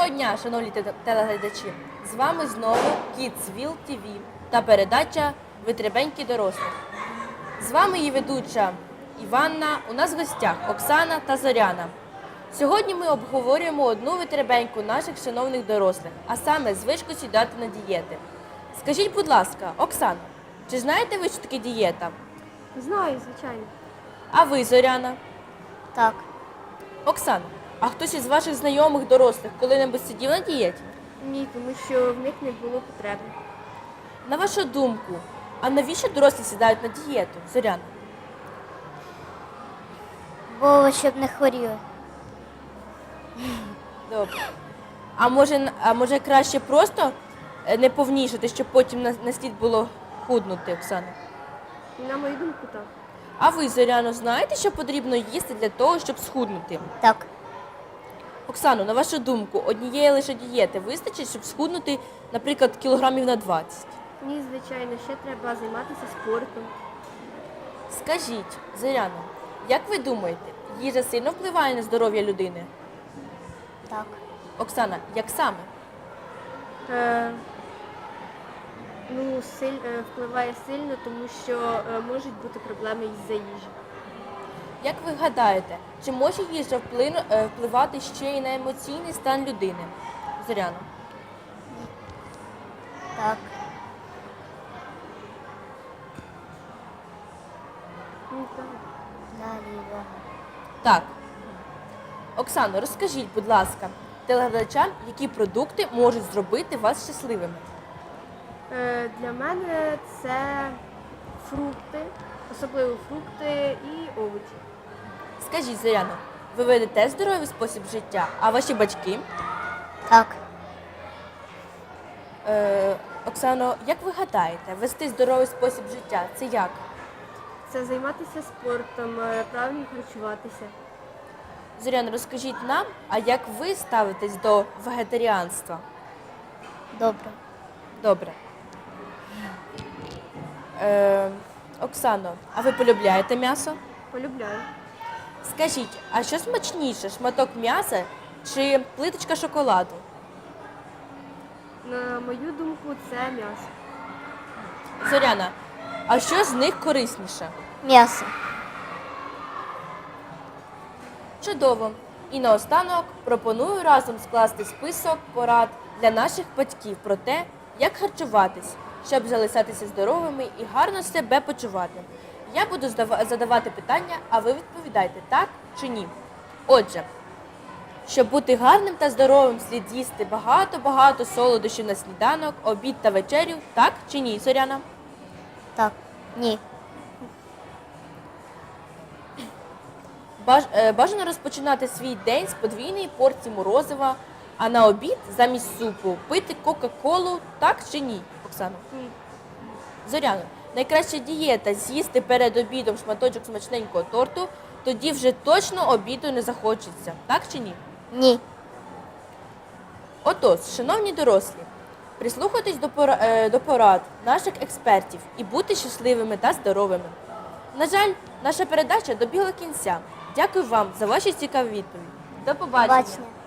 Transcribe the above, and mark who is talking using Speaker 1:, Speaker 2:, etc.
Speaker 1: Доброго дня, шановні телеглядачі! З вами знову Kidsville TV та передача «Витребеньки дорослих». З вами її ведуча Іванна, у нас в гостях Оксана та Зоряна. Сьогодні ми обговорюємо одну витребеньку наших шановних дорослих, а саме звичку сідати на дієти. Скажіть, будь ласка, Оксана, чи знаєте ви, що таке дієта?
Speaker 2: Знаю, звичайно.
Speaker 1: А ви, Зоряна?
Speaker 3: Так.
Speaker 1: Оксана, а хтось із ваших знайомих дорослих коли-небудь сидів на дієті?
Speaker 2: Ні, тому що в них не було потреби.
Speaker 1: На вашу думку, а навіщо дорослі сідають на дієту, Зоряна?
Speaker 3: Бо щоб не хворіли.
Speaker 1: Добре. А може краще просто не повнішати, щоб потім на слід було худнути, Оксана?
Speaker 2: На мою думку, так.
Speaker 1: А ви, Зоряно, знаєте, що потрібно їсти для того, щоб схуднути?
Speaker 3: Так.
Speaker 1: Оксано, на вашу думку, однієї лише дієти вистачить, щоб схуднути, наприклад, кілограмів на 20?
Speaker 2: Ні, звичайно, ще треба займатися спортом.
Speaker 1: Скажіть, Зоряно, як ви думаєте, їжа сильно впливає на здоров'я людини?
Speaker 3: Так.
Speaker 1: Оксана, як саме?
Speaker 2: Впливає сильно, тому що можуть бути проблеми із-за їжі.
Speaker 1: Як ви гадаєте, чи може їжа впливати ще й на емоційний стан людини? Зоряно.
Speaker 3: Так.
Speaker 2: Так.
Speaker 3: Далі, Івана.
Speaker 1: Так. Оксано, розкажіть, будь ласка, телеглядачам, які продукти можуть зробити вас щасливими?
Speaker 2: Для мене це фрукти, особливо фрукти і овочі.
Speaker 1: Скажіть, Зоряно, ви ведете здоровий спосіб життя, а ваші батьки?
Speaker 3: Так.
Speaker 1: Оксано, як ви гадаєте, вести здоровий спосіб життя – це як?
Speaker 2: Це займатися спортом, правильно харчуватися.
Speaker 1: Зоряно, розкажіть нам, а як ви ставитесь до вегетаріанства?
Speaker 3: Добре.
Speaker 1: Добре. Оксано, а ви полюбляєте м'ясо?
Speaker 2: Полюбляю.
Speaker 1: Скажіть, а що смачніше, шматок м'яса чи плиточка шоколаду?
Speaker 2: На мою думку, це м'ясо.
Speaker 1: Зоряна, а що з них корисніше?
Speaker 3: М'ясо.
Speaker 1: Чудово. І наостанок пропоную разом скласти список порад для наших батьків про те, як харчуватись, щоб залишатися здоровими і гарно себе почувати. Я буду задавати питання, а ви відповідайте так чи ні. Отже, щоб бути гарним та здоровим, слід їсти багато-багато солодощів на сніданок, обід та вечерю, так чи ні, Зоряна?
Speaker 3: Так. Ні.
Speaker 1: Бажано розпочинати свій день з подвійної порції морозива, а на обід замість супу пити кока-колу, так чи ні, Оксано?
Speaker 2: Ні.
Speaker 1: Зоряно, найкраща дієта – з'їсти перед обідом шматочок смачненького торту, тоді вже точно обіду не захочеться, так чи ні?
Speaker 3: Ні.
Speaker 1: Отож, шановні дорослі, прислухайтесь до порад наших експертів і будьте щасливими та здоровими. На жаль, наша передача добігла кінця. Дякую вам за ваші цікаві відповіді. До побачення.
Speaker 3: Побачення.